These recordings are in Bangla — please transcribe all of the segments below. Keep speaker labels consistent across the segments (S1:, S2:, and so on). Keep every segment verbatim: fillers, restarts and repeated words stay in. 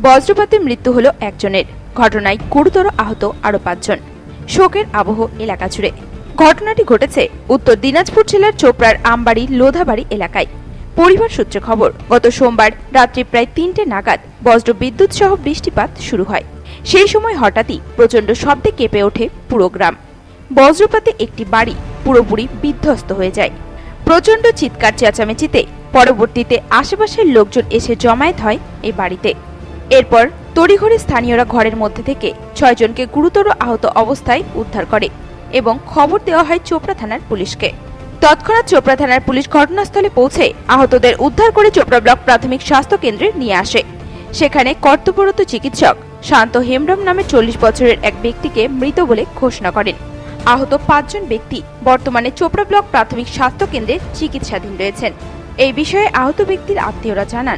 S1: বজ্রপাতে মৃত্যু হলো একজনের, ঘটনায় গুরুতর আহত আরো পাঁচজন। শোকের আবহ এলাকা জুড়ে। ঘটনাটি ঘটেছে উত্তর দিনাজপুর জেলার চোপড়ার আমবাড়ি লোধাবাড়ি এলাকায়। পরিবার সূত্রে খবর, গত সোমবার রাত্রি প্রায় তিনটে নাগাদ বজ্র বিদ্যুৎ সহ বৃষ্টিপাত শুরু হয়। সেই সময় হঠাৎই প্রচণ্ড শব্দে কেঁপে ওঠে পুরো গ্রাম। বজ্রপাতে একটি বাড়ি পুরোপুরি বিধ্বস্ত হয়ে যায়। প্রচণ্ড চিৎকার চেঁচামেচিতে পরবর্তীতে আশেপাশের লোকজন এসে জমায়েত হয় এই বাড়িতে। এরপর তড়িঘড়ি স্থানীয়রা ঘরের মধ্যে থেকে ছয়জনকে গুরুতর আহত অবস্থায় উদ্ধার করে এবং খবর দেওয়া হয় চোপড়া থানার পুলিশকে। তৎক্ষণাৎ চোপড়া থানার পুলিশ ঘটনাস্থলে পৌঁছে আহতদের উদ্ধার করে চোপড়া ব্লক প্রাথমিক স্বাস্থ্য কেন্দ্রে নিয়ে আসে। সেখানে কর্তব্যরত চিকিৎসক শান্ত হেমব্রম নামে চল্লিশ বছরের এক ব্যক্তিকে মৃত বলে ঘোষণা করেন। আহত পাঁচজন ব্যক্তি বর্তমানে চোপড়া ব্লক প্রাথমিক স্বাস্থ্য কেন্দ্রে চিকিৎসাধীন রয়েছেন। এই বিষয়ে আহত ব্যক্তির আত্মীয়রা জানান,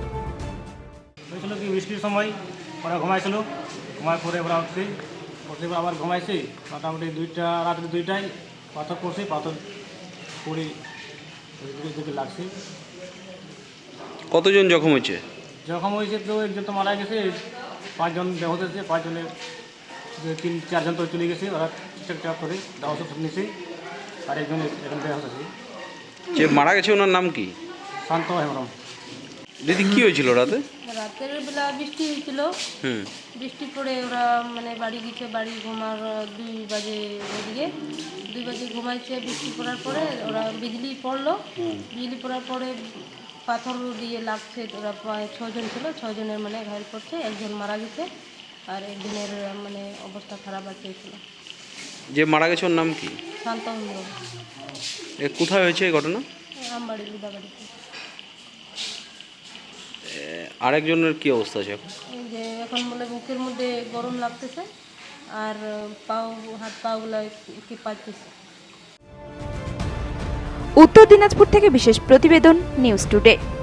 S2: বৃষ্টির সময় ওরা ঘুমাইছিল, ঘুমায় পরে ওরা উঠছে, উঠে আবার ঘুমাইছে। মোটামুটি দুইটা রাত্রি দুইটায় পাথর পড়ছে, পাথর পড়ে দিকে লাগছে।
S3: কতজন জখম হয়েছে?
S2: জখম হয়েছে তো একজন তো মারা গেছে, পাঁচজন বেহত হয়েছে, পাঁচজনের তিন চারজন তো চলে গেছে, ওরা ঠিকঠাক করে ওষুধ নিয়েছে, আর একজন এখন বেহত আছে।
S3: যে মারা গেছে ওনার নাম কি?
S2: শান্ত হেমব্রম।
S3: দিদি কি হয়েছিল রাতে?
S4: রাতের বেলা বৃষ্টি হয়েছিল,
S3: হুম
S4: বৃষ্টি পড়ে ওরা মানে বাড়ি গেছে, বাড়ি ঘুমার দুই বাজে ওদিকে দুই বাজে ঘুমাইছে। বৃষ্টি পড়ার পরে ওরা বিজলি পড়লো, বিজলি পড়ার পরে পাথর দিয়ে লাগছে। ওরা প্রায় ছজন ছিল, ছজনের মানে ঘায়ল পড়ছে, একজন মারা গেছে আর একজনের মানে অবস্থা খারাপ আছে।
S3: যে মারা গেছে ওর নাম কি?
S4: শান্ত হেমব্রম।
S3: এ কোথায় হয়েছে এই ঘটনা?
S4: আমবাড়ি লুদাবাড়িতে।
S3: আরেকজনের কি অবস্থা আছে এখন?
S4: এই যে এখন বলে বুকের মধ্যে গরম লাগতেছে আর পাও হাত পাগুলো কি পাচ্ছে।
S1: উত্তর দিনাজপুর থেকে বিশেষ প্রতিবেদন, নিউজ টুডে।